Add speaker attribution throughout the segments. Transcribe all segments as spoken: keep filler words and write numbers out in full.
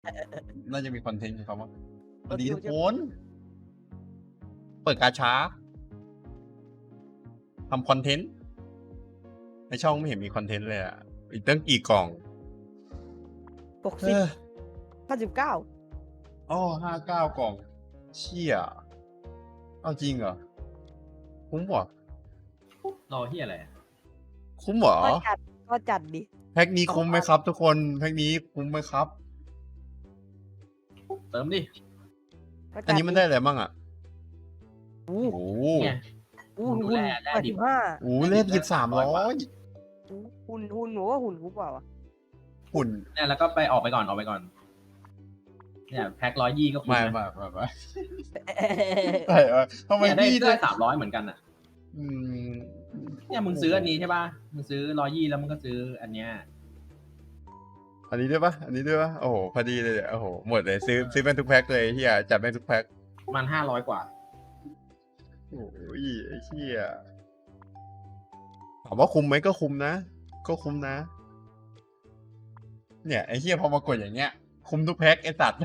Speaker 1: น่าจะมีคอนเทนต์ของเขามั้งส
Speaker 2: ร
Speaker 1: วั
Speaker 2: ถ
Speaker 1: สดี
Speaker 2: ตู้
Speaker 1: ทุก
Speaker 2: จะ
Speaker 1: คน เปิดกาชาทำคอนเทนต์ในช่องไม่เห็นมีคอนเทนต์เลยอ่ะ อีกตั้งกี่กล่อง
Speaker 2: หก
Speaker 1: เอ
Speaker 2: สิบ
Speaker 1: อ
Speaker 2: ห้าสิบเก้า
Speaker 1: อ๋อห้าเก้ากล่อง เชี่ยเอาจริงเหรอ คุ้มเหรอ
Speaker 3: รอที่อะไร
Speaker 1: คุ้มเหรอ
Speaker 2: ก็จัดก็จัดดิ
Speaker 1: แพ็คนี้คุ้มไหมครับทุกคน แพ็คนี้คุ้มไหมครับ
Speaker 3: เติมดิ
Speaker 2: ก็จัด
Speaker 1: อันนี้มันได้อะไรบ้างอ่ะ
Speaker 2: โอ้
Speaker 1: โอ้
Speaker 3: เนี่ย
Speaker 2: โห
Speaker 3: ดู
Speaker 2: หุ่น
Speaker 3: แร่แร่
Speaker 2: แปด
Speaker 3: ดิ
Speaker 2: สิ
Speaker 3: บ
Speaker 2: บห้า
Speaker 1: โหเล่นกินสามร้อย
Speaker 2: หุ่นหุ่นหนูว่าหุ่นกูเปล่าวะ
Speaker 1: หุ่น
Speaker 3: เนี่ยแล้วก็ไปออกไปก่อนออกไปก่อน เนี่ยแพ็คร้อยยี่ก็คุ้ม
Speaker 1: ไม่
Speaker 3: นะ
Speaker 1: ไม่ไม่ไม่ใช่เออทำไม
Speaker 3: เนี่ยได้
Speaker 1: พี่
Speaker 3: ได้สามร้อยเหมือนกันอ่ะ
Speaker 1: อืม
Speaker 3: เนี่ยมึงซื้ออันนี้ใช่ป่ะ มึงซื้อร้อยยี่แล้วมึงก็ซื้ออันเนี้ย
Speaker 1: อันนี้ด้วยปะอันนี้ด้วยปะโอ้โห พอดีเลยเนี่ยโอ้โห หมดเลย ซื้อ ซื้อเป็นทุกแพ็คเลยเฮียจัดเป็นทุกแพ็ค
Speaker 3: มันห้าร้อยกว่า
Speaker 1: โอ้ยไอ้เฮียถามว่าคุ้มไหมก็คุ้มนะ ก็คุ้มนะ เนี่ยไอ้เฮียพอมากดอย่างเงี้ย คุ้มทุกแพ็คไอ้สัตว์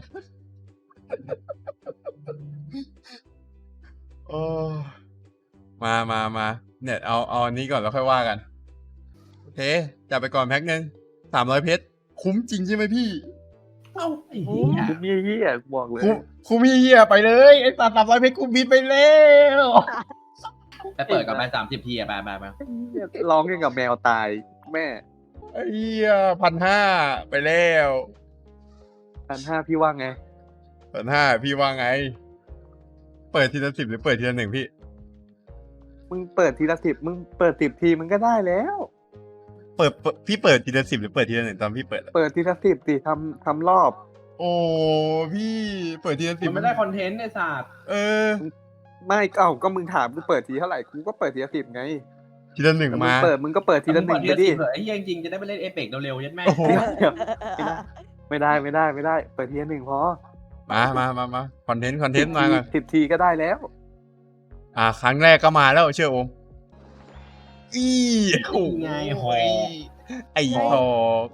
Speaker 1: โอ้มามามาเนี่ยเอาเอาอันนี้ก่อนแล้วค่อยว่ากัน โอเคจัดไปก่อนแพ็คหนึ่งสามร้อยเพชร คุ้มจริงใช่ไหมพี่
Speaker 3: เอ้าไอ้เหี้ย
Speaker 4: คุ้มเยี่ยๆบอกเลย
Speaker 1: คุ้มคุ้มเฮียไปเลยไอ้สัตว์สามร้อยเพชรคุ้มบินไปแล้ว
Speaker 3: ไปเปิดกับไปสามสิบทีอะไปไปไป
Speaker 4: ร้องยังกับแมวตายแม่
Speaker 1: ไอ้เฮียพันห้าไปแล้ว
Speaker 4: พันห้าพี่ว่าไง
Speaker 1: พันห้าพี่ว่าไง เปิดทีละสิบหรือเปิดทีละหนึ่งพี่
Speaker 4: มึงเปิดทีละสิบมึงเปิดสิบทีมึงก็ได้แล้ว
Speaker 1: เปิดเปิดพี่เปิดทีละสิบหรือเปิดทีละหนึ่งตอนพี่เปิดอะ
Speaker 4: เปิดทีละสิบสิทำทำรอบ
Speaker 1: โอ้พี่เปิดทีละสิบ
Speaker 3: มันไม่ได้คอนเทนต์ไอ้สัตว์
Speaker 1: เออ
Speaker 4: ไม่เอ้าก็มึงถามกูเปิดทีเท่าไหร่กูก็เปิดทีละสิบไง
Speaker 1: ทีละหนึ่ง
Speaker 4: แต่มึง
Speaker 1: มา
Speaker 4: เปิดมึงก็เปิดทีละหนึ่ง
Speaker 3: ที
Speaker 4: ไป
Speaker 3: ละ
Speaker 4: ดิ
Speaker 3: สิบเหรอไอ้เหี้ยจริงๆจะได้ไปเล่นเอเปกเร็วๆยัดแม่
Speaker 1: โอ้โห
Speaker 4: ไม่ได้ไม่ได้ไม่ได้ เปิดทีละหนึ่งพอ
Speaker 1: มามามามาคอนเทนต์คอนเทนต์มาก่อน
Speaker 4: สิบทีก็ได้แล้ว
Speaker 1: อ่า ครั้งแรกก็มาแล้วเชื่อโอมอีโอ้
Speaker 3: ไงหอ
Speaker 1: ยไอ้หอก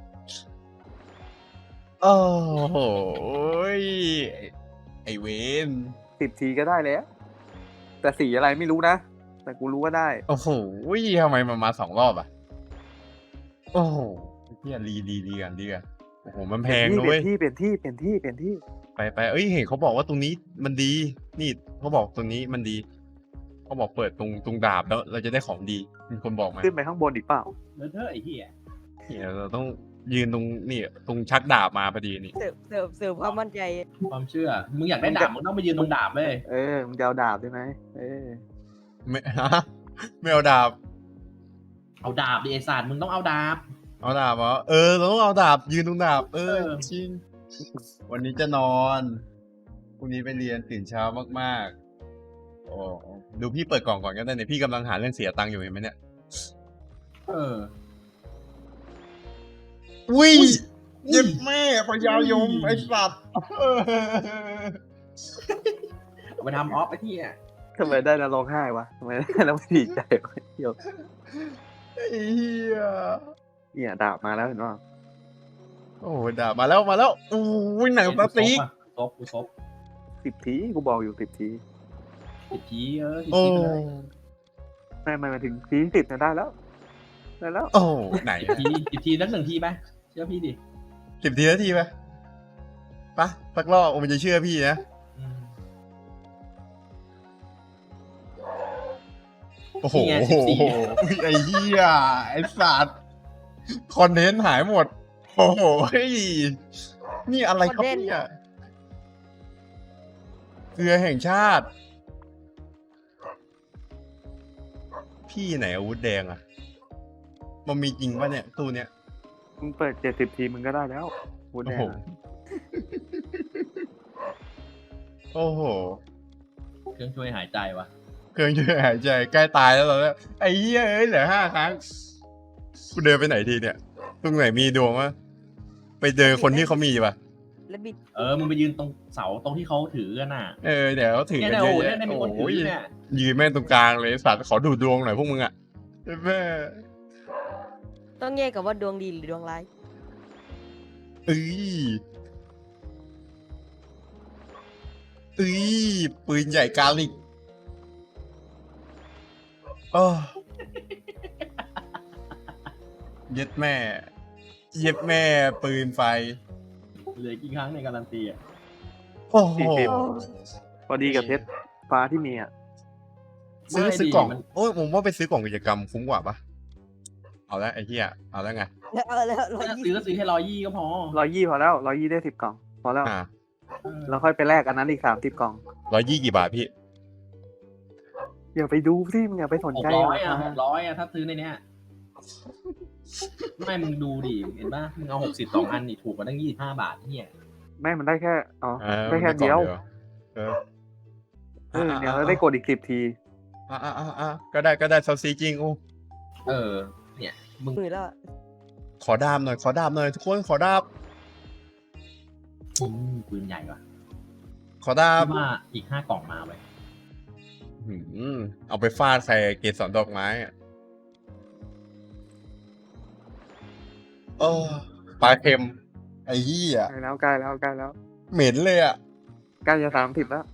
Speaker 1: โอ้โหไอเวน
Speaker 4: สิบทีก็ได้แล้ว แต่สีอะไรไม่รู้นะ แต่กูรู้ว่าได้
Speaker 1: โอ้โหทำไมมันมาสองรอบอ่ะ โอ้โหเฮียรีดีดีกันดีกันโอ้โหมันแพง
Speaker 4: เป
Speaker 1: ด้
Speaker 4: ลี่
Speaker 1: วย
Speaker 4: ยนที่เปลี่ยนที่เปลี่ยนที่เปลี่ยนที่
Speaker 1: ไปไปเอ้ยเห็นเขาบอกว่าตรงนี้มันดี นี่เขาบอกตรงนี้มันดีเขาบอกเปิดตรงตรงดาบแล้ว เราจะได้ของดีมีคนบอกมา
Speaker 4: ขึ้นไปข้างบนอีกเปล่า
Speaker 3: เลอะเทอะไอ้เหี้ย
Speaker 1: เนี่ยเราต้องยืนตรงนี่ตรงชักดาบมาพอดีนี่
Speaker 2: เสิร์ฟเสิร์ฟเสิร์ฟความมั่นใจ
Speaker 3: ความเชื่อ มึงอยากได้ดาบมึงต้องไปยืนตรงดาบเลย
Speaker 4: เออมึงจะเอาดาบได้ไหมเออ
Speaker 1: ไม่ ฮะไม่เอาดาบ
Speaker 3: เอาดาบดิไอ้สัตว์มึงต้องเอาดาบ
Speaker 1: เอาดาบเหรอเออเราต้องเอาดาบ ยืนตรงดาบ เออ
Speaker 3: เออ
Speaker 1: จริง วันนี้จะนอนพรุ่งนี้ไปเรียนตื่นเช้ามากๆโอ้ดูพี่เปิดกล่องก่อนก็ได้เนี่ยพี่กำลังหาเรื่องเสียตังค์อยู่เห็นไหมเนี่ย
Speaker 3: เออ
Speaker 1: อุ้ย
Speaker 3: อุ้ย
Speaker 1: เย็บแม่พญายมไอสัตว์เออ
Speaker 3: เอาไปทำออฟไอ้เหี้ย
Speaker 4: ทำไมได้แล้วร้องไห้วะทำไมได้แล้วไม่ดีใจวะเดี๋ยว
Speaker 1: ไอ้เหี้ย
Speaker 4: เนี่ยดาบมาแล้วเห็นป่ะ
Speaker 1: โอ้ดาบมาแล้วมาแล้วอู้ยหนังสติ๊ก
Speaker 3: ซบกูซบ
Speaker 4: สิบทีกูบอกอยู่สิบที
Speaker 3: สิบทีเออสิบ
Speaker 1: โอ้
Speaker 3: ทีไปเลย
Speaker 4: ไม่ไม่มาถึงทีสิบเนี่ยได้แล้วได้แล้ว
Speaker 1: โอ้ไหน
Speaker 3: สิบทีสิบทีนักหนึ่งทีไปเชื่อพี่ดิ
Speaker 1: สิบทีนาทีไหมปะสักรอบมันจะเชื่อพี่นะ
Speaker 3: อืม
Speaker 1: โอ้โห
Speaker 3: นี่ไงสิบสี่
Speaker 1: ไอ้เหี้ยไอ้สัตว์คอนเทนต์หายหมด โอ้โหเฮ้ยนี่อะไรครับเนี่ยเกลือแห่งชาติ พี่ไหนอาวุธแดงอะมันมีจริงปะเนี่ยตู้เนี้ย
Speaker 4: มึงเปิดเจ็ดสิบทีมึงก็ได้แล้วพูด
Speaker 1: โอ้
Speaker 4: แน่
Speaker 1: โห
Speaker 4: นะ
Speaker 1: โอ้โห
Speaker 3: เครื่องช่วยหายใจวะ
Speaker 1: เครื่องช่วยหายใจใกล้ตายแล้วตอนนี้ไอ้เหี้ยเอ้ยเหลือห้าครั้งกูเดินไปไหนทีเนี่ยตรงไหนมีดวงวะไปเจอคนที่เขามีปะ
Speaker 2: แล้วบิด
Speaker 3: เออมึงไปยืนตรงเสาตรงที่เขาถือกันน่ะ
Speaker 1: เออเดี๋ยวเขาถือ
Speaker 3: เนี่ย
Speaker 1: กัน
Speaker 3: เนี่ย
Speaker 1: เย
Speaker 3: โอ้
Speaker 1: อะ
Speaker 3: เนี่ย
Speaker 1: แยะ
Speaker 3: เนี่ยมีคนถื
Speaker 1: โอ้
Speaker 3: อย เนี่ย
Speaker 1: ยืนแม่งตรงกลางเลยสัตว์ขอดูดวงหน่อยพวกมึงอะแม่
Speaker 2: ต้องแยกกับว่าดวงดีหรือดวงร้าย
Speaker 1: เอ้ยเอ้ยปืนใหญ่กาลิกโอ้เย็ดแม่ เย็ดแม่ปืนไฟ
Speaker 3: เหลือกี่ครั้งในการันตีอ่ะ
Speaker 1: โอ้โห
Speaker 4: สี่สิบ พอดีกับเพชรฟ้าที่มีอ่ะ
Speaker 1: ซื้อ
Speaker 3: ไม่
Speaker 1: ซื้อกล่อง
Speaker 3: มัน
Speaker 1: โอ้ยผมว่าไปซื้อกล่องกิจกรรมคุ้มกว่าปะเอาแล้วไอ้เหี้ยเอาแล้วไง
Speaker 2: แล้วเอาแล้วร้อย
Speaker 3: ถ้า
Speaker 2: ยี่
Speaker 3: ซื้อ
Speaker 2: สิ
Speaker 3: ก็ซื้อแค่ร้อยยี่ก็พอ
Speaker 4: ร้อยยี่พอแล้วร้อยยี่ได้สิบกล่อง พอแล้ว
Speaker 1: อ่า
Speaker 3: เออ
Speaker 4: แล้วค่อยไปแลกอันนั้นอีกสามสิบกล่อง
Speaker 1: ร้อยยี่กี่บาทพี่
Speaker 4: อย่าไปดูสิมึงอย่าไปสน
Speaker 3: หก
Speaker 4: ใจ
Speaker 3: ร้อยอ่ะ
Speaker 4: รา
Speaker 3: ห
Speaker 4: คาก
Speaker 3: ร้อยอ่ะถ้าซื้อในเนี้ยไม่มึงดูดิเห็นป่ะมึงเอาหกสิบสองอันนี่ถูกกว่าตั้งยี่สิบห้าบาทเนี่ย
Speaker 4: ไม่มันได้แค่อ๋อ
Speaker 1: เออ
Speaker 4: ได้แค่
Speaker 1: มันได้กล่
Speaker 4: เดียว
Speaker 1: องเออ
Speaker 4: เออเดี๋ยวเราได้กดอีกสิบที
Speaker 1: อ่าอ่าอ่าอ่าก็ได้ก็ได้เซาซีจริงโอ้
Speaker 3: เออ เนี่ยมึง
Speaker 2: หมื่นแล้วอะ
Speaker 1: ขอดามหน่อยขอดามหน่อยทุกคนขอดาม
Speaker 3: อืมปืนใหญ่ว่ะ
Speaker 1: ขอดาม
Speaker 3: คิดว่าอีกห้ากล่องมาไว้
Speaker 1: หืมเอาไปฟาดใส่เกสรดอกไม้อะโอ้ปลาเค็ม ไอ้เหี้ย
Speaker 4: ใกล้แล้วใกล้แล้วใกล้แล้ว
Speaker 1: เหม็นเลยอ่ะ
Speaker 4: ใกล้จะสามสิบแล้ว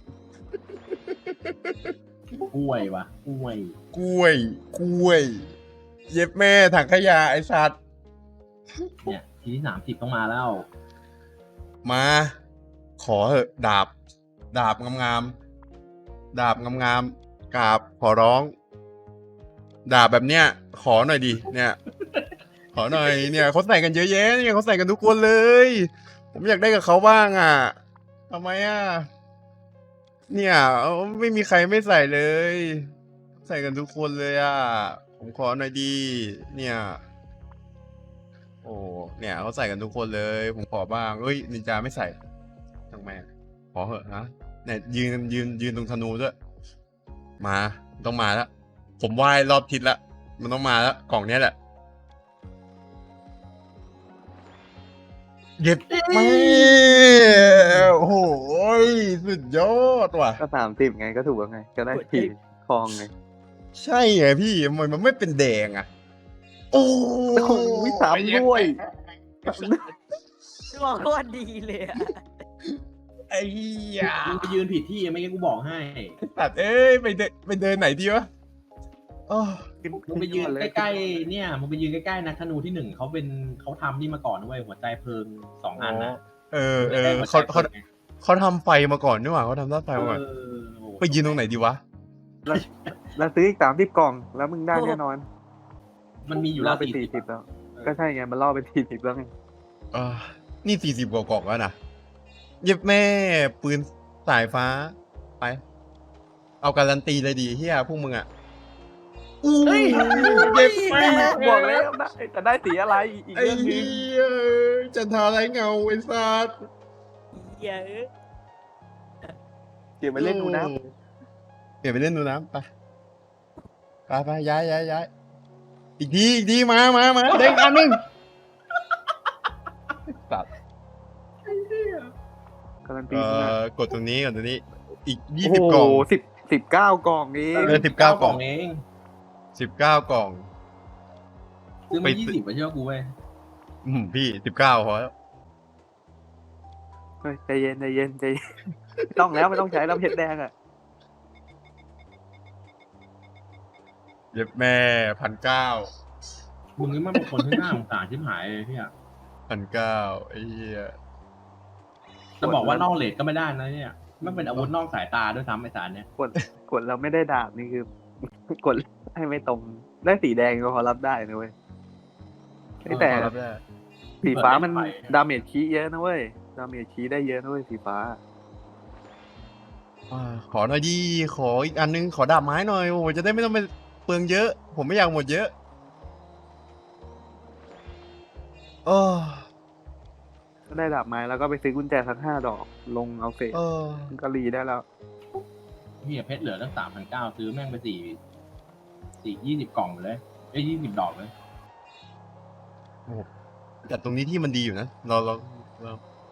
Speaker 3: กล้วยว่ะกล้วย
Speaker 1: กล้วย กล้วย เย็บแม่ถังขยะไอ้สัตว์
Speaker 3: เนี่ยทีที่สามสิบต้องมาแล้ว
Speaker 1: มา ขอเหอะดาบ ดาบงามๆดาบงามๆกราบขอร้อง ดาบแบบเนี้ย ขอหน่อยดิ เนี่ย ขอหน่อย เนี่ยเขาใส่กันเยอะแยะเนี่ยเขาใส่กันทุกคนเลย ผมอยากได้กับเขาบ้างอ่ะทำไมอ่ะ เนี่ยเอาไม่มีใครไม่ใส่เลย ใส่กันทุกคนเลยอ่ะ ผมขอหน่อยดี เนี่ย โอ้ เนี่ยเขาใส่กันทุกคนเลย ผมขอบ้างเอ้ยนินจาไม่ใส่ทำไมอะขอเหอะนะเนี่ยยืนยืนยืนตรงธนูด้วย มาต้องมาแล้ว ผมไหว้รอบทิศละมันต้องมาแล้วกล่องเนี้ยแหละ เย็บไม่โอ้โหสุดยอดว่ะ
Speaker 4: ก็สามสิบไงก็ถูกแล้วไง ก็ได้ทีทองไง
Speaker 1: ใช่ไงพี่ทำไมมันไม่เป็นแดงอ่ะ โอ้
Speaker 4: โอ้โหสามด้วย
Speaker 2: ดวงโคตรดีเลยอะ
Speaker 1: ไอ้เหี้ย
Speaker 3: มึงไปยืนผิดที่ไม่งั้นกูบอกให้
Speaker 1: ตัดเอ้ยไปเดินไปเดินไหนดีวะโอ้
Speaker 3: มึงไปยืนใกล้ๆเนี่ยมึงไปยืนใกล้ๆนักธนูที่หนึ่งเขาเป็นเขาทำนี่มาก่อนนะเว้ยหัวใจเพลิงสองอันนะ
Speaker 1: เออเออ
Speaker 3: ใกล้ๆหัวใจ
Speaker 1: เขาเขา
Speaker 3: พลิงไง
Speaker 1: เขาทำไฟมาก่อนนี่หว่าเขาทำด้านไฟมาก่อน
Speaker 3: เออโอ้
Speaker 1: ไปยืนตรงไหนดีวะ
Speaker 4: แล้วซื้ออีกสามสิบกล่อง แล้วมึงได้แน่นอน
Speaker 3: มันมีอยู่
Speaker 4: ล่
Speaker 3: แล้
Speaker 4: อ
Speaker 3: ว
Speaker 4: ไปสี่สิบ
Speaker 3: 40
Speaker 4: แล้ว ก็ใช่ไง มันล่อไปสี่สิบแล้วไง
Speaker 1: อ่านี่สี่สิบกว่ากล่องแล้วนะเย็บแม่ปืนสายฟ้า ไป เอาการันตีเลยดีเฮียพวกมึงอ่ะอู้
Speaker 3: เฮ้ย
Speaker 1: เย็บแม่
Speaker 4: บอกแล้วได้แต่ได้สีอะไรอีก
Speaker 1: ไอ้
Speaker 4: เรื่องหนึ
Speaker 1: เหี้
Speaker 4: ง
Speaker 1: ยจันทาไรเงาไอ้สัส
Speaker 2: เหี้ยอะ
Speaker 4: เดี๋ยวไปเล่นดูนะ
Speaker 1: เดี๋ยวไปเล่นดูน้ำไปไปไปย้ายย้ายย้ายอีกทีอีกทีมามามาเด้งอันหนึงสัตว์
Speaker 4: การันตี
Speaker 1: เอ่
Speaker 4: มึงนะ
Speaker 1: อกดตรงนี้กดตรงนี้ อีกยี่
Speaker 4: โอ้
Speaker 1: สิบ
Speaker 4: โห
Speaker 1: กล่อง
Speaker 4: สิบสิบเก้ากล่องเอง
Speaker 1: เออสิบเก้ากล่อง
Speaker 3: เอง
Speaker 1: สิบเก้ากล่อง
Speaker 3: ซื้อ
Speaker 1: ไป
Speaker 3: มายี่สิบไปเชื่อกูเว้ย
Speaker 1: อืมพี่สิบเก้าพอแล้ว
Speaker 4: เฮ้ยใจเย็นใจเย็นใจเย็นไม่ต้องแล้วไม่ต้องใช้แล้วเพชรแดงอ่ะ
Speaker 1: เย็บแม่พันเก้า
Speaker 3: มึงนี่มันเป็นคนที่น่าสงสารชิบหายเลยพี่อะ
Speaker 1: พันเก้าไอ้เหี้ย
Speaker 3: จะบอกว่านอกเลทก็ไม่ได้นะเนี่ยมันเป็นอาวุธนอกสายตาด้วยซ้ำไอ้สารเนี่ย
Speaker 4: กดกดเราไม่ได้ดาบนี่คือ กดให้ไม่ตรง ได้สีแดงก็พอรับได้นะเว้ยเฮ้ยแต่
Speaker 1: เอารับได้
Speaker 4: สีฟ้ามันดาเมจคีเยอะนะเว้ยดาเมจคีได้เยอะนะเว้ยสีฟ้า
Speaker 1: อ่าขอหน่อยดีขออีกอันนึงขอดาบไม้หน่อยโอ้ยจะได้ไม่ต้องไปเปลืองเยอะ ผมไม่อยากหมดเยอะโอ้
Speaker 4: ก็ได้ดาบไม้แล้วก็ไปซื้อกุญแจสักห้าดอก ลงเอาเฟส
Speaker 1: เออ
Speaker 4: มันก็รีได้แล้ว
Speaker 3: พี่เพชรเหลือตั้งสามพันเก้าซื้อแม่งไปสี่สี่ยี่สิบกล่องเลยไอ้ยี่สิบดอกเลย
Speaker 1: แต่ตรงนี้ที่มันดีอยู่นะเราเราเรา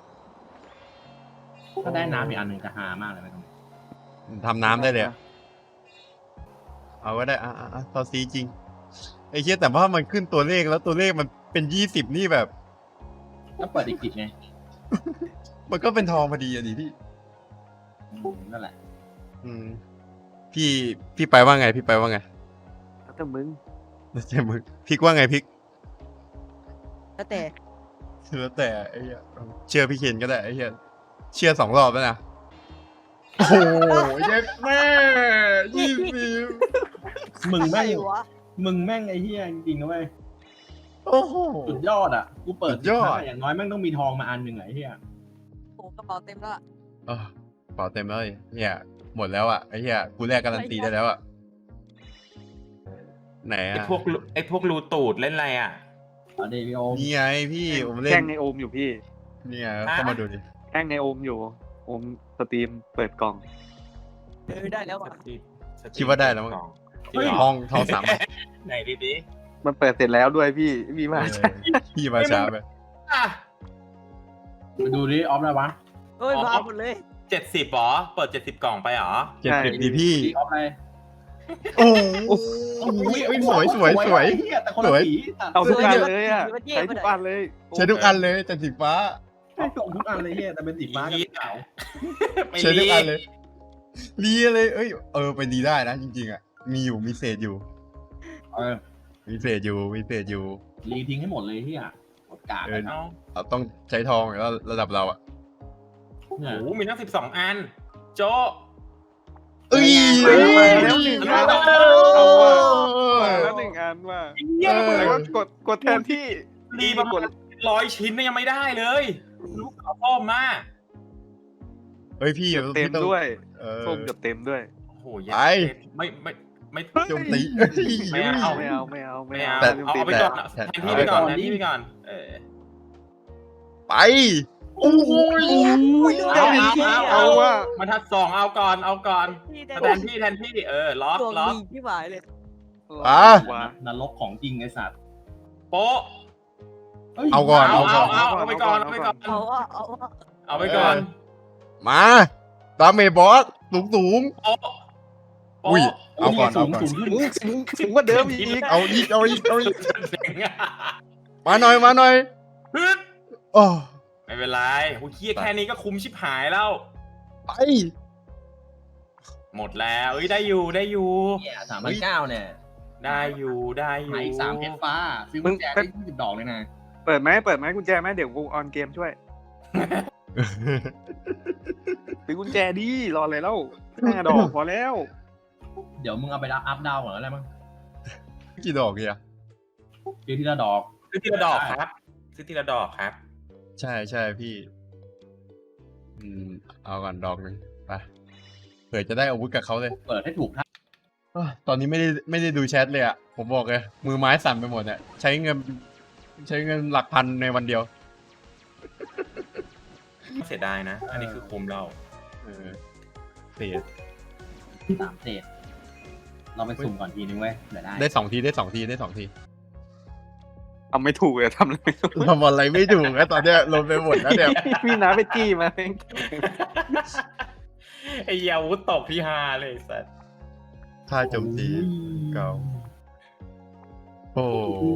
Speaker 3: ถ้าได้น้ำอีกอันหนึ่งจะฮามากเลยไหมตรงนี้
Speaker 1: ทำน้ำได้เลยอะเอาก็ได้อ่ะอ่ะอ่ะตอนซีจริงไอ้เชี่ยแต่ว่ามันขึ้นตัวเลขแล้วตัวเลขมันเป็นยี่สิบนี่แบบ
Speaker 3: ก็เปิดอีกสิบไง
Speaker 1: มันก็เป็นทองพอดีอะดิพี่
Speaker 3: อืมนั่นแหละ
Speaker 1: อืมพี่พี่ไปว่าไง พี่ไปว่าไง
Speaker 4: แล้วแต่มึง
Speaker 1: แล้วแต่มึงพิกว่าไงพิก
Speaker 2: แล้วแต่
Speaker 1: แล้วแต่ไอ้เหี้ยเชื่อพี่เคนก็ได้ไอ้เหี้ยเชื่อสองรอบแล้วนะโอ้โหเย็ดแม่ยี่สิบ
Speaker 3: มึงแม่ง
Speaker 2: อะไรวะ
Speaker 3: มึงแม่งไอ้เหี้ยจริงๆนะเว้ย
Speaker 1: โอ้โห
Speaker 3: สุดยอดอ่ะกูเปิด
Speaker 1: สุดยอด
Speaker 3: สิบห้าอย่างน้อยแม่งต้องมีทองมาอันหนึ่งไอ้เหี้ย
Speaker 2: โอ้กระเป๋าเต็มแล้วอะ
Speaker 1: เออเปล่าเต็มแล้วไอ้เหี้ยหมดแล้วอ่ะไอ้เหี้ยกูแลกการันตีได้แล้วอ่ะไหน
Speaker 5: ไอ้
Speaker 1: อ่ะ
Speaker 5: พวกรูไอ้พวกรูตูดเล่นอะไรอ่ะ
Speaker 3: เอาเดวิโอม
Speaker 1: นี่ไงพี่ผมเล่
Speaker 4: แกล้
Speaker 1: น
Speaker 4: งในโอมอยู่พี่
Speaker 1: นี่ไงเข้ามาดูดิ
Speaker 4: แกล้งในโอมอยู่โอมสตรีมเปิดกล่อง
Speaker 2: เออได้แล้วอะ
Speaker 1: คิดว่าได้แล้วมั้ง
Speaker 5: จริงเหร
Speaker 1: ท
Speaker 5: อ
Speaker 1: องทองสามอัน
Speaker 5: ไหนดิดิ
Speaker 4: มันเปิดเสร็จแล้วด้วยพี่มีมา
Speaker 1: เออ
Speaker 4: ใช่
Speaker 1: พี่มาช้าไป
Speaker 5: อ่ะ
Speaker 3: ไปดูดิออฟอะไรวะ
Speaker 2: เฮ้ยมาหมดเลย
Speaker 5: เจ็ดสิบหรอ เปิดเจ็ดสิบกล่องไปหรอ
Speaker 1: เจ็ดสิบดีพี่
Speaker 3: ดีออฟอะไร
Speaker 1: โอ้โหอุ๊ยสวยสวยสวย
Speaker 3: ไอ้เหี้ยแต่คนละ
Speaker 1: สวย
Speaker 3: สี
Speaker 4: เอาทุกอันเลยอ่ะใช้ทุกอันเลย
Speaker 1: ใช้ทุกอันเลยแต่สีฟ้า
Speaker 3: ใช่ส่งทุกอันเลยเหี้ยแต่เป็นสีฟ้ากับสีขาว
Speaker 5: ไป
Speaker 1: ใช้ทุก
Speaker 5: รี
Speaker 1: อันเลยรีเลย เอ้ย เออ ไปดีได้นะ จริงๆ อ่ะ มีอยู่ มีเศษอยู่
Speaker 3: เออ
Speaker 1: มีเศษอยู่ มีเศษอยู่
Speaker 3: รีทิ้งให้หมดเลยเหี้ยหมดกาด
Speaker 1: เออ
Speaker 3: นะ
Speaker 5: เอา
Speaker 1: เอาต้องใช้ทองแล้วระดับเราอ่ะ
Speaker 5: โอ้โหมีทั้งสิบสองอัน โจ
Speaker 1: เอ้ย
Speaker 4: มาแล้วหนึ่งอันเอาว่ะมาแล้วหนึ่งอันว่ะ
Speaker 5: เยี่ยม
Speaker 4: แล้ว
Speaker 5: เลย
Speaker 4: ก็กดกดแทนที่
Speaker 5: ดีประมาณร้อยชิ้นเนี่ยยังไม่ได้เลยลูกเขาต้มมาก
Speaker 1: เฮ้ย พี่
Speaker 4: เกือบเต็ม
Speaker 1: พี่ต้อง
Speaker 4: ด้วย
Speaker 1: เออ
Speaker 4: ส้มเกือบเต็มด้วย
Speaker 5: โอ้โห
Speaker 1: ไป
Speaker 5: ไม่ไม่ไม่
Speaker 1: โจมตี
Speaker 5: ไม่เอา
Speaker 4: ไม่เอาไม่เอา
Speaker 5: ไม่
Speaker 4: ไม่
Speaker 5: เอา
Speaker 4: เอา
Speaker 5: เอาเอาไปก่อน
Speaker 1: แต่
Speaker 5: แทนที่ไปก่อนแทนที่ไปก่อน เออ
Speaker 1: ไป โอ้ย
Speaker 5: เอาเอาเอา
Speaker 4: เอาว่ะ
Speaker 5: มาทัดสองเอาก่อนเอาก่อน
Speaker 2: พี่ได้
Speaker 5: แทนที่แทนที่เออล็อก
Speaker 2: ดวง
Speaker 5: ล็อก
Speaker 2: ดีที่หมายเลย
Speaker 1: อ่ะ
Speaker 4: ว่ะ
Speaker 3: นรกของจริงไอ้สัตว์
Speaker 5: โป๊ะ
Speaker 3: ฮ้ย
Speaker 1: เอาก่อน
Speaker 5: เอา
Speaker 1: เอา
Speaker 5: เอาเอาเอาไปก่อนเอาไปก่อน
Speaker 2: เอาว่าเอาว่า
Speaker 5: เอาไปก่อน
Speaker 1: มาดาเมจบอสสูงสูง
Speaker 5: โป๊ะ
Speaker 1: อุ้ย เอาก่อน
Speaker 3: สู
Speaker 1: เอา
Speaker 3: ง
Speaker 1: ก่อน
Speaker 3: สูงขึ้น
Speaker 4: สูงสูงกว่าเดิมอีก
Speaker 1: เอาอีก เอาอีก เอาอีก
Speaker 5: เสียงอะ
Speaker 1: มาหน่อย มาหน่อย
Speaker 5: ฮึด
Speaker 1: โอ้
Speaker 5: ไม่เป็นไรโอ้ยเคียแค่นี้ก็คุ้มชิบหายแล้ว
Speaker 1: ไป
Speaker 5: หมดแล้วเอ้ยได้อยู่ได้อยู่
Speaker 3: เนี่ยสามพันเก้าเนี่ย
Speaker 5: ได้อยู่ได้อยู่
Speaker 3: ใหม่สามเพชรฟ้าซื้อกุญแจได้ยี่สิบดอกเลยนะ
Speaker 4: เปิดไหมเปิดไหมกุญแจไหมเดี๋ยวกูออนเกมช่วยซื้อกุญแจดิรออะไรแล้วห้าดอกพอแล้ว
Speaker 3: เดี๋ยวมึงเอาไปรับอัพดาวก่อนแล้วอะไรมั้ง
Speaker 1: กี่ดอกเนี่ย
Speaker 3: ซื้อทีละดอก
Speaker 5: ซื้อทีละดอกครับซื้อทีละดอกครับ
Speaker 1: ใช่ใช่พี่ อืม เอาก่อนดอกหนึ่งไปเผื่อจะได้อาวุธกับเขาเลย
Speaker 3: เปิดให้ถูกท่า
Speaker 1: อ้าวตอนนี้ไม่ได้ไม่ได้ดูแชทเลยอ่ะ ผมบอกเลย มือไม้สั่นไปหมดเนี่ยใช้เงิน ใช้เงินหลักพันในวันเดียว
Speaker 5: เสียดายนะ อันนี้คือคุ้มเรา
Speaker 1: เออเสีย
Speaker 3: สามเศษเราไปสุ่มก่อนทีนึงเว้ยเดี๋ยวได้
Speaker 1: ได้สองทีได้สองทีได้สองที
Speaker 4: ทำไม่ถูกเลยทำอะไรไม่ถูก
Speaker 1: ทำอะไรไม่ถูกแล้วตอนเนี้ยลงไปหมดแล้วเนี่ย
Speaker 4: พี่น้าไปจี้มาเอง
Speaker 5: ไอ้ยาวุธตกพี่ฮาเลยสัส
Speaker 1: ท่าโจมตี เก่า โอ้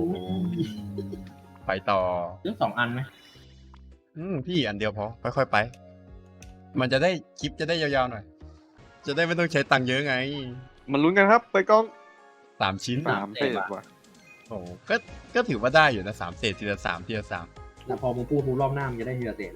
Speaker 1: ไปต่อ
Speaker 3: ซื้อสองอันไหม
Speaker 1: อืมพี่อันเดียวพอ ค่อยๆไป มันจะได้คลิปจะได้ยาวๆหน่อย จะได้ไม่ต้องใช้ตังค์เยอะไง
Speaker 4: มันลุ้นกันครับไปกล้อง
Speaker 1: สามชิ้น
Speaker 4: สามเศษว่ะ
Speaker 1: โอ้ก็ก็ถือว่าได้อยู่นะสามเศษทีละสามทีละสาม
Speaker 3: แล้วพอมึงพูดรู้รอบหน้ามึงจะได้ทีละเศษละ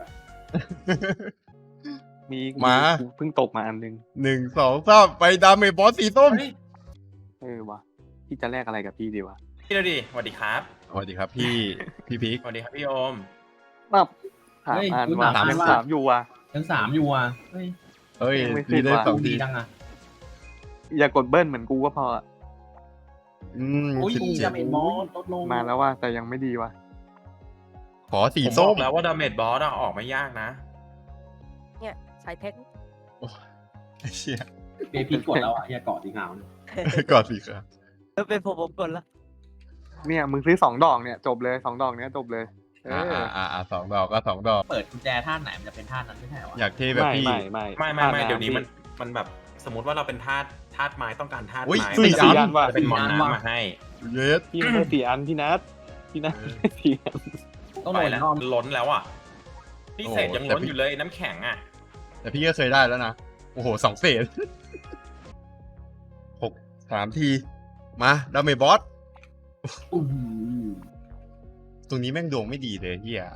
Speaker 4: มี
Speaker 1: มา
Speaker 4: เพิ่งตกมาอันนึง
Speaker 1: หนึ่งสองสามไปดาเมจบอสสีส้ม
Speaker 5: เฮ้ย
Speaker 4: เออว่ะพี่จะแลกอะไรกับพี่ดีวะ
Speaker 5: พี่เราดิสวัสดีครับ
Speaker 1: สวัสดีครับพี่ พี่พีค
Speaker 5: สวัสดีครับพี่โอม
Speaker 4: ปั๊บถามอันว่ะ
Speaker 1: สาม
Speaker 4: ยังสามอยู่ว่ะ
Speaker 3: ยังสามอยู่อ่ะเฮ้ย
Speaker 1: เอ้ย
Speaker 4: ไม่ขึ้น
Speaker 1: นี่ได้
Speaker 4: ว่ะ
Speaker 1: สอง
Speaker 3: ดี
Speaker 1: ที
Speaker 3: จังอ่ะ
Speaker 4: อย่ากดเบิ้ลเหมือนกูก็พออะ
Speaker 1: อืม
Speaker 3: โอ้ย
Speaker 1: สิบเจ็
Speaker 3: จะ
Speaker 1: ด
Speaker 3: เป็นมอสลดลง
Speaker 4: มาแล้วว่ะแต่ยังไม่ดีว่ะ
Speaker 1: ขอสี
Speaker 5: ผมบ
Speaker 1: ส้
Speaker 5: อ
Speaker 1: ม
Speaker 5: กแล้วว่าดาเมจบอสอะออกไม่ยากนะ
Speaker 2: เนี่ยใช้เพชร
Speaker 1: ไอ้เชี่ย
Speaker 3: เบพีกดแล้วอ่ะอย่าเกาะสีขาวเนี่ย
Speaker 1: กอดสีครับ
Speaker 2: เออเป็นผมผมกดละ
Speaker 4: เนี่ยมึงซื้อสองดอกเนี่ยจบเลยสองดอกเนี้ยจบเลยเอ
Speaker 1: อ่า
Speaker 4: อ
Speaker 1: อ่าอ่าอ่าสองดอกก็สองดอก
Speaker 3: เปิดกุญแจท่าไหนมันจะเป็นท่านั้นไม่ใช่เหรอวะ
Speaker 1: อยากเท่แบบ
Speaker 4: ไม่
Speaker 1: พี่
Speaker 4: ไม่ไม่
Speaker 5: ไม่ไม่ไม่
Speaker 4: ธาตุ
Speaker 5: เดี๋ยวนี้มัน
Speaker 4: พี่
Speaker 5: มันแบบสมมติว่าเราเป็นธาตุธาตุไม้ต้องการธาตุ
Speaker 1: อุ๊ย
Speaker 5: ไม้
Speaker 1: สี่
Speaker 5: มันจะ
Speaker 1: อัน
Speaker 4: อันว่ะ
Speaker 5: จะเป็นมอนน้ำมาให้
Speaker 1: เยส
Speaker 4: พี่ไม่ได้สี่อันพี่นัทพี่นัทได้สี่อัน
Speaker 3: ต้อง
Speaker 5: ไป
Speaker 3: โดน
Speaker 5: แล้ว
Speaker 3: นอน
Speaker 5: ล้นแล้วอ่ะพี่เศษยังล้นอยู่เลยน้ำแข็งอ่ะ
Speaker 1: แต่พี่ก็เคยได้แล้วนะโอ้โหสองเศษหกสามที มาดาเมจบอส
Speaker 3: อื้อหือ
Speaker 1: ตรงนี้แม่งดวงไม่ดีเลยเฮีย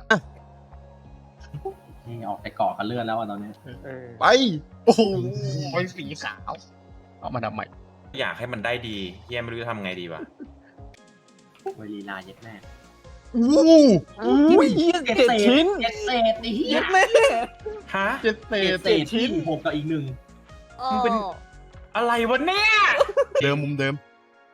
Speaker 3: นี่ออกไปเกาะกันเลือดแล้วอ่ะตอนนี้
Speaker 4: เออ
Speaker 1: ไป โอ้โหไฟสีขาว เอามาทำใหม่
Speaker 5: อยากให้มันได้ดีเฮียไม่รู้จะทำไงดีวะ
Speaker 3: เวลีลาเย็ดแม่
Speaker 1: อู้
Speaker 4: อุ้ยเหี้ยเจ็ดชิ้น
Speaker 3: เจ็ดเศษไอ้เหี้ย
Speaker 4: เย็ดแม่
Speaker 5: ฮะ
Speaker 1: เจ็ดเศ
Speaker 3: เจ็
Speaker 1: ษ
Speaker 3: ดเศษชิ้นหกกับอีกหนึ่ง
Speaker 2: มึงเป็น
Speaker 5: อะไรวะเนี่ย
Speaker 1: เดิมมุมเดิม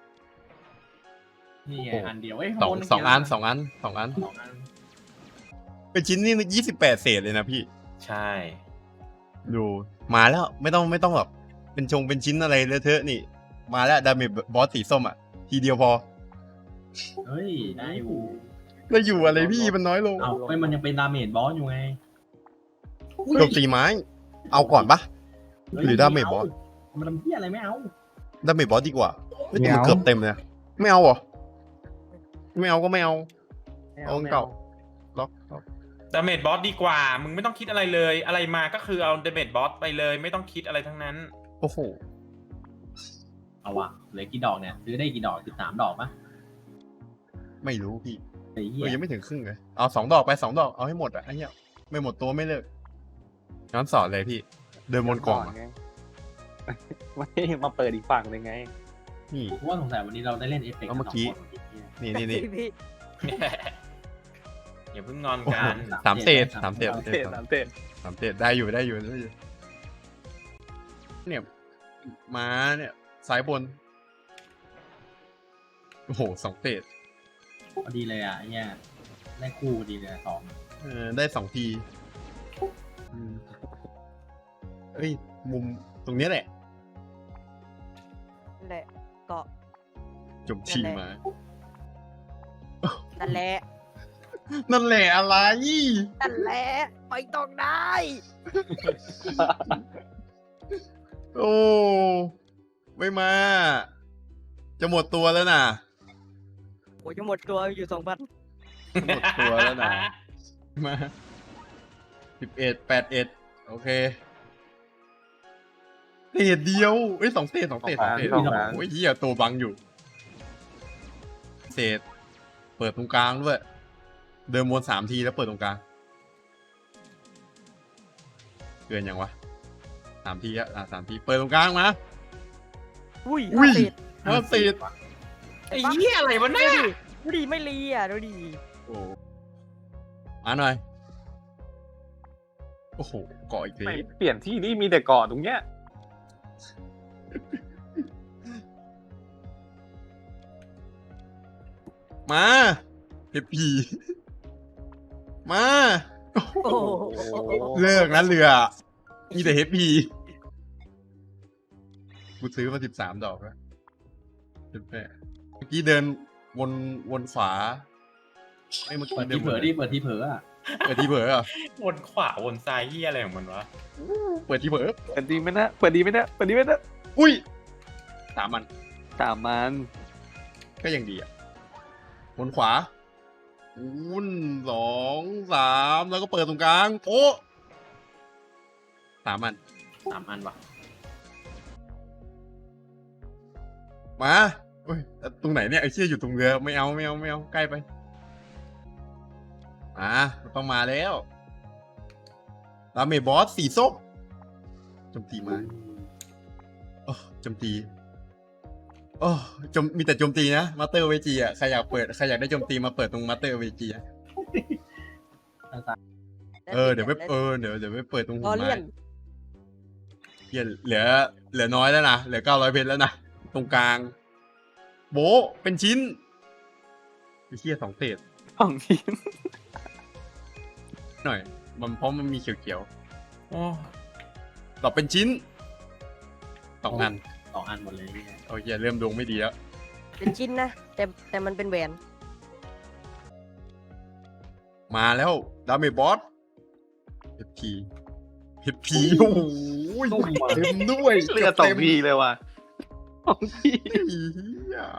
Speaker 3: นี่ไง
Speaker 1: โอ้
Speaker 3: อันเดียวเอ้ย
Speaker 1: สอง
Speaker 3: ข้าบ
Speaker 1: สองอันสองอันสองอัน
Speaker 3: สองอัน
Speaker 1: เป็นชิ้นนี่ยี่สิบแปดเศษเลยนะพี่
Speaker 5: ใช่
Speaker 1: ดูมาแล้วไม่ต้องไม่ต้องแบบเป็นชงเป็นชิ้นอะไรเลอะเทอะนี่ มาแล้วดาเมจบอสสีส้มอ่ะ ทีเดียวพอ
Speaker 3: เฮ้ยได้อยู่
Speaker 1: แล้วอยู่อะไรพี่มันน้อยลง
Speaker 3: เอาไม่มันยังเป็นดาเมจบอสอยู่ไง
Speaker 1: โจมตีไม้ เอาก่อนปะ
Speaker 3: เฮ้ย
Speaker 1: หรือดาเมจบอส
Speaker 3: มันทำเหี้ยอะไรไม่เอา
Speaker 1: ดาเมจบอสดีกว่าเฮ้ยแต่มันเกือบเต็มเลยนะไม่เอาเหรอ ไม่เอาก็ไม่เอา เอาเก่า ล็อกล็อก
Speaker 5: ดาเมจบอสดีกว่า มึงไม่ต้องคิดอะไรเลย อะไรมาก็คือเอาดาเมจบอสไปเลย ไม่ต้องคิดอะไรทั้งนั้น
Speaker 1: โอ้โห
Speaker 3: เอาวะเหลือกี่ดอกเนี่ยซื้อได้กี่ดอกสิบสามดอกปะ
Speaker 1: ไม่รู้พี่
Speaker 3: ไอ้
Speaker 1: เอ
Speaker 3: เหี้ย
Speaker 1: อยังไม่ถึงครึ่งเลย เอาสองดอกไปสองดอกเอาให้หมดอ่ะไอ้เหี้ยไม่หมดตัวไม่เลิกย้อนสอนเลยพี่ เดินบนกล่องอะ
Speaker 4: ไงไม่มาเปิดอีกฝั่งเลยไง
Speaker 1: นี่
Speaker 3: กูว่าสงสัยวันนี้เราได้เล่นเอฟเฟกต์
Speaker 1: เอาเมื่อกี้
Speaker 3: สงคนไอ้เหี้ย
Speaker 1: นี่นี่นี่
Speaker 2: พี่
Speaker 5: อย่าเพิ่งงอน
Speaker 1: โอ้
Speaker 5: กั
Speaker 1: โห
Speaker 5: น
Speaker 1: สามเศษสามเศษ
Speaker 4: สามเศษสามเศษ
Speaker 1: สามเศษได้อยู่ได้อยู่ได้อยู่ เนี่ยม้าเนี่ยสายบน โอ้โหสองเศษ
Speaker 3: พอดีเลยอ่ะไอ้เนี่ยได้คู่พอดีเลยอะสอง
Speaker 1: เออได้สองทีอืมเอ้ย มุมตรงเนี้ยแหละ
Speaker 2: นั่นแหละเกาะ
Speaker 1: จมชีมา
Speaker 2: นั่นแหละ
Speaker 1: นั่นแหละอะไร
Speaker 2: นั่นแหละไปต้องได้
Speaker 1: โอ้ ไม่มา จะหมดตัวแล้วนะ
Speaker 2: โอ้ยจะหมดตัวอยู่สองพัน
Speaker 1: หมดตัวแล้วนะ มาสิบเอ็ดแปดเอ็ดโอเคเศษเดียวเอ้ยสองเศษสองเศษสองเศษ
Speaker 4: สองอัน
Speaker 1: โอ้ยเหี้ยตัวบังอยู่ เศษ เปิดตรงกลางด้วย เดินวนสามทีแล้วเปิดตรงกลางเกินยังวะสามทีอะอ่ะสามที เปิดตรงกลางมา
Speaker 2: อุ้ย
Speaker 1: อุ้ย
Speaker 2: เศษ
Speaker 1: ห้าเศษ
Speaker 5: ไอ้เหี้ยอะไรวะ
Speaker 2: ดู
Speaker 5: เนี่ย
Speaker 2: ดิดูดิไม่รีอ่ะดูดิ
Speaker 1: โอ้มาหน่อย โอ้โหเกาะอีกที
Speaker 4: ไม่เปลี่ยนที่นี่มีแต่เกาะตรงเนี้ย
Speaker 1: มาเฮปปี้มา
Speaker 2: โอ้โห
Speaker 1: เลิกนะเรือ มีแต่เฮปปี้กูซื้อมาสิบสามดอกแล้วสิบแปดเมื่อกี้เดินวนวนขวาไอ้ยเมื่อ
Speaker 3: เปิ
Speaker 1: กี้
Speaker 3: ด
Speaker 1: เดิ
Speaker 3: ที่
Speaker 1: น
Speaker 3: เผลอดิเปิดที่เผลออ่ะ
Speaker 1: เปิดทีเผลอเหรอ
Speaker 5: วนขวาวนซ้ายเหี้ยอะไรของมันวะ
Speaker 1: เปิดทีเผลอ
Speaker 4: เปิดดีไหมนะเปิดดีไหมนะเปิดดีไหมนะ
Speaker 1: อุ้ยสามมัน
Speaker 4: สามมัน
Speaker 1: ก็ยังดีอ่ะวนขวาวุ้นสองสามแล้วก็เปิดตรงกลางโอ้สามมัน
Speaker 3: สามอันวะ
Speaker 1: มาเฮ้ยตรงไหนเนี่ยไอ้เชี่ยอยู่ตรงเรือไม่เอาไม่เอาไม่เอาใกล้ไปอ่าต้องมาแล้วดาเมจบอสสีส้มโจมตีมาโอ้โจมตีโอ้โจมมีแต่โจมตีนะมาสเตอร์เวจีอ่ะใครอยากเปิดใครอยากได้โจมตีมาเปิดตรงมาสเตอร์เวจีอ่ะเออเดี๋ยวไปเออเดี๋ยวเดี๋ยวไปเปิดตรง
Speaker 2: ร
Speaker 1: หั
Speaker 2: อ
Speaker 1: ว
Speaker 2: เลี่
Speaker 1: ไม้
Speaker 2: ยน
Speaker 1: เหี้ยเหลือ เหลือน้อยแล้วนะเหลือเก้าร้อยเพชรแล้วนะตรงกลาง โบะเป็นชิ้นไอ้เหี้ยสองเศษ
Speaker 4: สองชิ้น
Speaker 1: หน่อย มันเพราะมันมีเขียว
Speaker 5: โอ้
Speaker 1: ๆตอบเป็นชิ้นสองอัน
Speaker 3: สองอันหมดเลยเนี่ย
Speaker 1: โอเคเริ่มดวงไม่ดีแล้ว
Speaker 2: เป็นชิ้นนะแต่แต่มันเป็นแหวน
Speaker 1: มาแล้วดาเมจบอสเฮปพีเฮปพีโอ้โหเต็มด้วย
Speaker 4: เลือดสองทีเลยว่ะสองที
Speaker 1: เหี้ย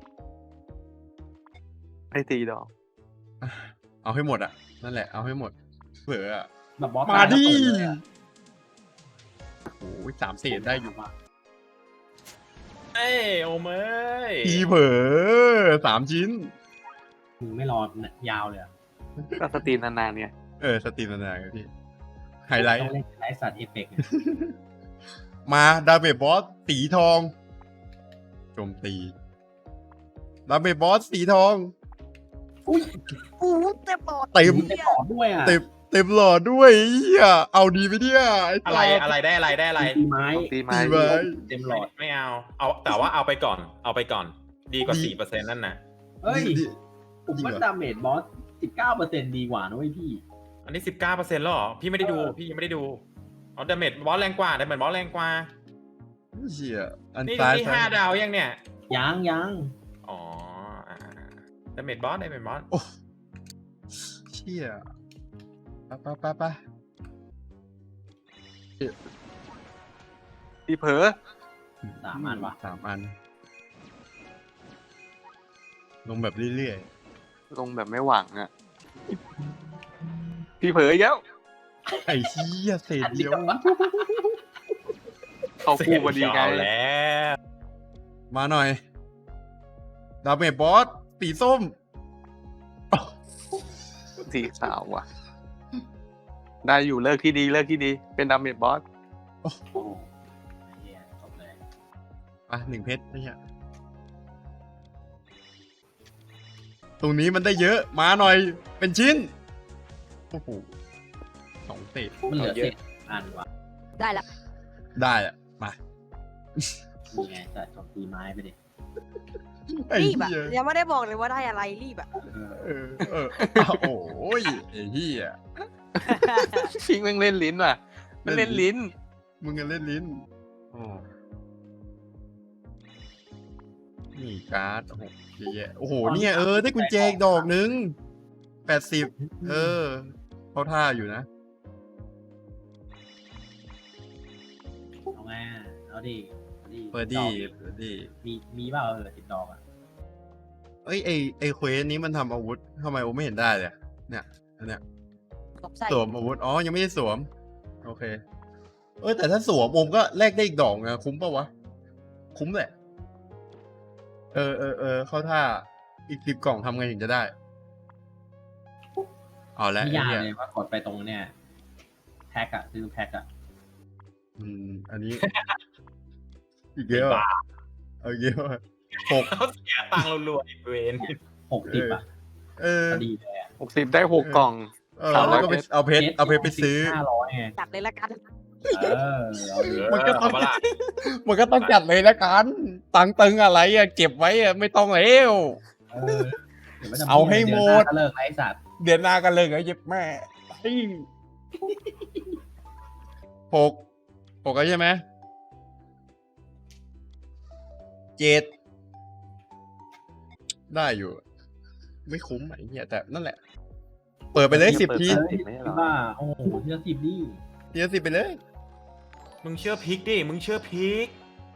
Speaker 4: ให้ตีดอก
Speaker 1: เอาให้หมดอ่ะ นั่นแหละเอาให้หมดเผื่ออะ
Speaker 3: แบบบอส
Speaker 1: มาดิ
Speaker 3: ตยแล้วเปิเลยอะ
Speaker 1: โอ้ยสามเศษได้อยู่
Speaker 5: เอ้ยโอมเอ้ย
Speaker 1: ทีเผลอสามชิ้น
Speaker 3: มึงไม่รอยาวเลยอะ
Speaker 4: ก็สตรีมนานๆเนี่ย
Speaker 1: เออสตรีมนานๆครับพี่ไฮไลท์
Speaker 3: ต้องเล่นไลฟ์สัตว์เอฟเฟกต์เนี่ย
Speaker 1: มาดาเมจบอสสีทองโจมตีดาเมจบอสสีทอง
Speaker 2: อู้เต็มปอด
Speaker 1: เต็ม
Speaker 3: ไม่ตอบด้วยอ่ะ
Speaker 1: เต็มเต็มหลอดด้วยเหี้ยเอาดีไปเนี่ยไอ้
Speaker 5: อะไร
Speaker 1: สัตว์
Speaker 5: อะไรได้อะไรได้อะไร
Speaker 3: ตีไม้
Speaker 4: ตีไม้
Speaker 1: ตีไม้
Speaker 3: เต็มหลอด
Speaker 5: ไม่เอา เอาแต่ว่าเอาไปก่อน เอาไปก่อน ดีกว่า
Speaker 1: ดี
Speaker 5: สี่เปอร์เซ็นต์นั่นนะ
Speaker 3: เฮ้ย
Speaker 1: ดี
Speaker 3: ผม
Speaker 1: จริง
Speaker 3: ว่า
Speaker 1: เหรอ
Speaker 3: ดาเมจบอสสิบเก้าเปอร์เซ็นต์ดีกว่านะเว้ยพี่
Speaker 5: อันนี้สิบเก้าเปอร์เซ็นต์แล้วเหรอ พี่ไม่ได้ดู พี่ยังไม่ได้ดูเอาดาเมจบอสแรงกว่าดาเมจบอสแรงกว่า
Speaker 1: เชี่ยอัน
Speaker 5: นี่
Speaker 1: ซ้าย
Speaker 5: นี่
Speaker 1: ซ้า
Speaker 5: ห้าย ดาวยังเนี่ย
Speaker 3: ยังยัง
Speaker 5: อ๋อดาเมจบอสดาเมจบอส
Speaker 1: โอ้เชี่ยไปไปไปไป
Speaker 4: พี่เผลอ
Speaker 3: สามอันวะ
Speaker 1: สามอัน ลงแบบเรื่อย
Speaker 4: ลงแบบไม่หวังอ่ะ พี่เผลออีกแล้ว
Speaker 1: ๆ ไอ้เชี่ยเศษเดียว
Speaker 4: เขาคู่พอดีไง
Speaker 5: เอาแล้ว
Speaker 1: มาหน่อย ดาเมจบอสสีส้ม
Speaker 4: สีขาวว่ะ ได้อยู่เลิกที่ดีเลิกที่ดี เป็นดาเมจบอส
Speaker 3: โอ้โหไอ้เหี้ยจบเลย
Speaker 1: อ่ะหนึ่งเพชรไม่ใช่ตรงนี้มันได้เยอะ มาหน่อย เป็นชิ้น โอ้โหสองเศษ
Speaker 3: มันเหลือ
Speaker 4: เยอะ
Speaker 3: เศษอันวะ
Speaker 2: ได้ละ
Speaker 1: ได้อะมา
Speaker 3: นี่ไงแต่จบตีไม้ไปดิ
Speaker 1: ไอ้
Speaker 2: รีบอะ
Speaker 1: เหี้ย
Speaker 2: ยังไม่ได้บอกเลยว่าได้อะไรรีบอะ
Speaker 3: เออ
Speaker 1: เออเอออ้าวโอ้ยไอ้เหี้ย
Speaker 4: พิงแม่งเล่นลิ้นว่ะมันเล่นลิ้น
Speaker 1: มึงกันเล่นลิ้นอ๋อนี่การ์ดโอ้โหเยอะแยะโอ้โหเนี่ยเออได้กุญแจอีกดอกนึงแปดสิบเออเขาท่าอยู่นะ
Speaker 3: เอาไงอะเอาดิเอาดิ
Speaker 1: เปิดดีเปิดดี
Speaker 3: มีมีเปล่าเออติดดอกอ่ะ
Speaker 1: เอ้ยไอไอเควสนี้มันทำอาวุธทำไมโอไม่เห็นได้เลยอะเนี่ยอันเนี้ย
Speaker 2: ตบใส่
Speaker 1: สวมอาวุธอ๋อยังไม่ได้สวม โอเค เออแต่ถ้าสวมโอมก็แลกได้อีกดอกนะคุ้มปะวะ คุ้มแหละ เออเออเออเข้าท่าอีกสิบกล่องทำไงถึงจะได้เอาละ
Speaker 3: ไม่
Speaker 1: ไอ้
Speaker 3: ยาก
Speaker 1: เหี้ย
Speaker 3: เลยว่ากดไปตรงเนี่ยแพ็กอะซื้อแพ็กอะ
Speaker 1: อืมอันนี้ อีกเยอะอะเอาเยอะอะหก
Speaker 5: เขาเสียตังค์รัวๆอีกเวน
Speaker 3: หกสิบอะ
Speaker 1: เออ
Speaker 3: พอดีเลยอะ
Speaker 4: หกสิบได้หกกล่อง
Speaker 1: เออ
Speaker 4: สามร้
Speaker 1: แล้
Speaker 4: อ
Speaker 1: วย ก็ไปเอาเพชรเอาเพชรไปซื้อ
Speaker 3: ห้าร้อยไง
Speaker 2: จัดเลยละกัน
Speaker 3: เออเอาดิ
Speaker 1: มันก็ต้อง
Speaker 5: เาปะล่ะ
Speaker 1: มันก็ต้องจัดเลยละกันตังค์ตึงอะไรอะเก็บไว้อะไม่ต้องแล้ว
Speaker 3: เออดี๋ยวมันจะ
Speaker 1: เอาให้หมด
Speaker 3: เยวน้าก็เลิกไอ้สัตว์
Speaker 1: เดือนหน้ากันเลยเหรอเย็บแม่เฮ้ยหกหกแล้วใช่ไหมเจ็ดได้อยู่ ไม่คุ้มไอ้เหี้ยแต่นั่นแหละ เปิดไปเลยสิบที
Speaker 4: สิบไม่ใช่เหรอ
Speaker 3: ว่าโอ้โหที่ละสิบดิ
Speaker 1: ทีละสิบไปเลย
Speaker 5: มึงเชื่อพิกดิ มึงเชื่อพิก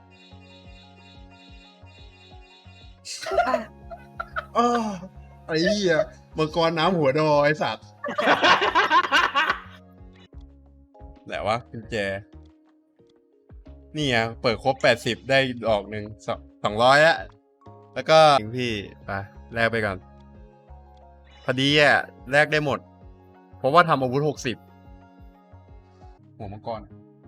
Speaker 1: อ้าวไอ้เหี้ยมังกรน้ำหัวดอไอ้สัตว์แหละวะกุญแจ นี่อ่ะเปิดครบแปดสิบได้ดอกหนึ่งสองสองร้อยอะแล้วก็ถึงพี่ไปแลกไปก่อน พอดีอ่ะแลกได้หมด เพราะว่าทำอาวุธหกสิบหัวมังกร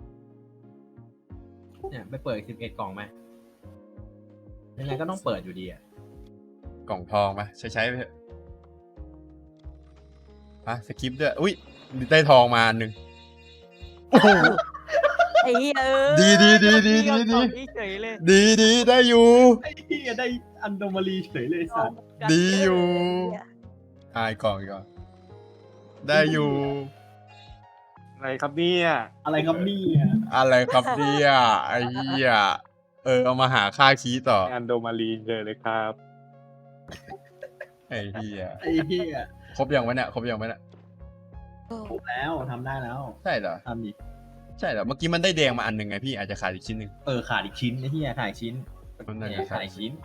Speaker 3: เนี่ยไปเปิดสิบเอ็ดกล่องไหมยังไงก็ต้องเปิดอยู่ดีอะ
Speaker 1: กล่องทองไปใช้ใช้ไปเถอะอ่ะสกิปด้วยอุ้ยได้ทองมาอันหนึ่งโอ้โห
Speaker 2: ไอ้เหี้ยเออ
Speaker 1: ดีดีดีดีดีดี
Speaker 2: เฉยเลย
Speaker 1: ดีดีได้อยู่
Speaker 3: ไอ้ที่ได้อันโดมารีเฉยเลยสัตว์
Speaker 1: ดีอยู่ ทายกล่องอีกก่อนได้อยู่
Speaker 4: อะไรครับเนี่ย
Speaker 3: อะไรครับนี่อะ
Speaker 1: อะไรครับเนี่ยไอ้เหี้ยเออเอามาหาค่าคีย์ต่อ
Speaker 4: งานโดมารีเจอเลยครับ
Speaker 1: ไอ้เหี้ย
Speaker 3: ไอ้เหี้ย
Speaker 1: ครบยังวะเนี่ยครบยังวะเนี่ย
Speaker 3: ครบแล้วทำได้แล้ว
Speaker 1: ใช่เหรอ
Speaker 3: ทำดิ
Speaker 1: ใช่เหรอเมื่อกี้มันได้แดงมาอันหนึ่งไงพี่อาจจะขาดอีกชิ้นหนึ่ง
Speaker 3: เออขาดอีกชิ้นไอ้เหี้ยขาดอีกชิ้น
Speaker 1: มันน่า
Speaker 3: เนี่
Speaker 1: จะ
Speaker 3: ย
Speaker 1: ขา
Speaker 3: ขา
Speaker 1: ด
Speaker 3: ด
Speaker 1: อี
Speaker 3: อี
Speaker 1: ก
Speaker 3: ก
Speaker 1: ชิ้น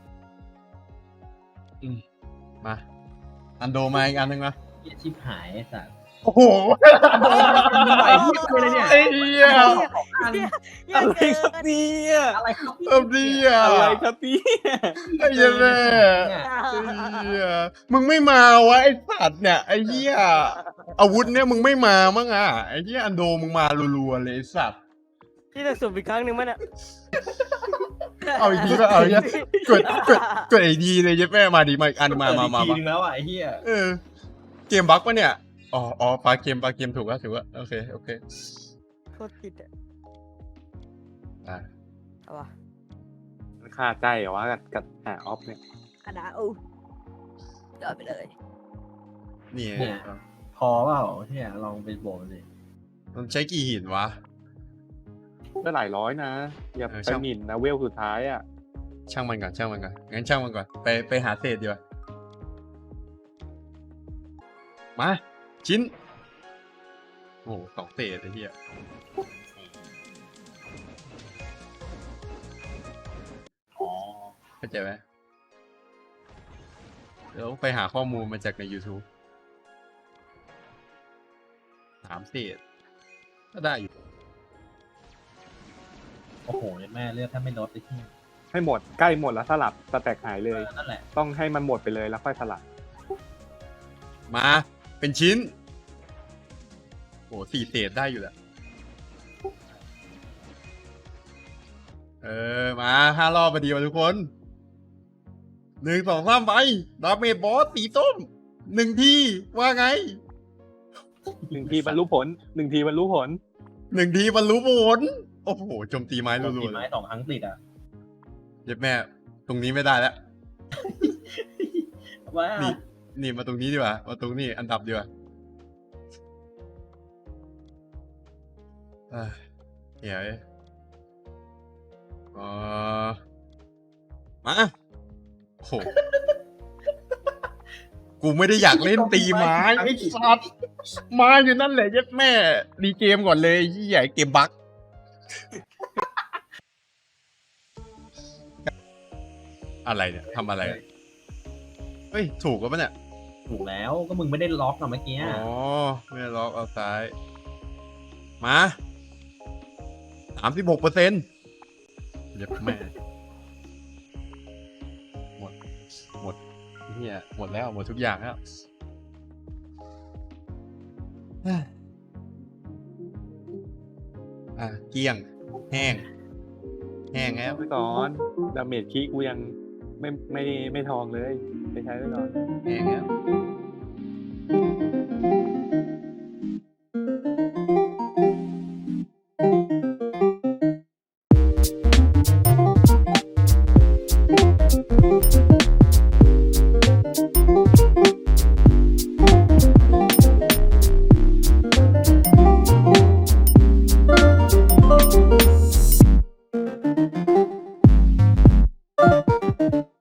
Speaker 3: ชิ้น
Speaker 1: มาอันโดมาอีกอันหนึ่งนะ
Speaker 3: เหี้ยชิบหายไอ้สัตว์
Speaker 1: โอ้โห
Speaker 3: ไหวเหี้ยเลยเนี่ย
Speaker 1: ไอ้เหี้ย
Speaker 3: กัน
Speaker 2: อย่า
Speaker 4: อะไร
Speaker 2: เกิ
Speaker 4: ครับ
Speaker 2: น
Speaker 4: เนี่ย
Speaker 3: อะไรครับ
Speaker 1: เอ้าดีอ่ะ
Speaker 4: อะไรครับเนี่ย
Speaker 1: ไอ้เหี้ยแม่
Speaker 3: เนี่ย
Speaker 1: ไอ้เหี้ยมึงไม่มาวะไอ้สัตว์เนี่ยไอ้เหี้ยอาวุธเนี่ยมึงไม่มามั้งอ่ะไอ้เหี้ยอันโดมึงมารัวๆเลยไอ้สัตว์
Speaker 2: พี่จะสุ่มอีกครั้งหนึ่งมั้ยเนี่ย
Speaker 1: เอาอีกทีก็เอาอีกทีกดกดกดไอ้ดีเลยเจ๊แม่มาดีมาอีกอันมามามา
Speaker 3: เปิดอีกที
Speaker 1: มา
Speaker 3: นึงแล้วอ่ะไอ้เหี้ย
Speaker 1: เออเกมบั๊กปะเนี่ยอ๋ออ๋อปลาเกมปลาเกมถูกแล้วถูกแล้วโอเคโอเค
Speaker 2: โคตรติดอ่ะ
Speaker 1: อ่ะ
Speaker 2: เอาวะ
Speaker 4: มันคาใจเหรอวะกับกับหาออฟเนี่ย
Speaker 2: อันนะอู้เดินไปเลย
Speaker 1: นี่
Speaker 3: เนี่ย พอเปล่าเนี่ยลองไปโบนสิ
Speaker 1: มันใช้กี่หินวะ
Speaker 4: ก็หลายร้อยนะ อย่า
Speaker 1: เออ
Speaker 4: ไป
Speaker 1: ช่าง
Speaker 4: หมิ่นนะเวลสุดท้ายอ่ะ
Speaker 1: ช่างมันก่อนช่างมันก่อนงั้นช่างมันก่อนไปไปหาเศษดีกว่ามาชิ้นโอ้โหสองเศษไอ้เหี้ย
Speaker 3: อ๋อ
Speaker 1: เข้าใจไหมเดี๋ยวไปหาข้อมูลมาจากใน YouTube สามเศษก็ได้อยู่
Speaker 3: โอ้โหแม่เลือดถ้าไม่ลดไอ้ที่
Speaker 4: ให้หมดใกล้หมดแล้วสลับสแต็กหายเลย
Speaker 3: นั่นแหละ
Speaker 4: ต้องให้มันหมดไปเลยแล้วค่อยสลับ
Speaker 1: มาเป็นชิ้นโอ้สี่เศษได้อยู่แหละเออมาห้ารอบพอดีวะทุกคนหนึ่งสองสามไปดาเมจบอสสีส้มหนึ่งทีว่าไง
Speaker 4: หนึ่งทีบรรลุผลหนึ่งทีบรรลุผล
Speaker 1: หนึ่งทีบรรลุผลโอ้โหโจมตีไม้
Speaker 3: โด
Speaker 1: รั
Speaker 3: น
Speaker 1: ว
Speaker 3: ตี
Speaker 1: ๆเล
Speaker 3: ไม้
Speaker 1: ย
Speaker 3: สองครั้งติดอ่ะ
Speaker 1: เย็บแม่ ตรงนี้ไม่ได้แล้ว
Speaker 3: ว่า
Speaker 1: นี่ นี่มาตรงนี้ดีกว่ามาตรงนี้อันดับดีกว่าอ่ะเฮ้ยอ๋อมาโอ้โหกูไม่ได้อยากเล่นตีไม้ไอ้สัตว์มาอยู่นั่นแหละเย็บแม่ดีเกมก่อนเลยยี่ใหญ่เกมบั๊กอะไรเนี่ยทำอะไรอะเฮ้ย ถูกปะเนี่ย
Speaker 3: ถูกแล้วก็มึงไม่ได้ล็อกอะเมื่อกี้
Speaker 1: อ๋อ ไม่ได้ล็อกเอาซ้าย มาสามสิบหกเปอร์เซ็นต์เย็บแม่ หมด หมดเฮียหมดแล้ว หมดทุกอย่างแล้ว อ่ะ เกลี้ยง แห้ง แห้งแล้ว
Speaker 4: ไปก่อนดาเมจคีกูยังไม่ไม่ไม่ทองเลยไปใช้ไปก่อน
Speaker 1: แห้งแล้ว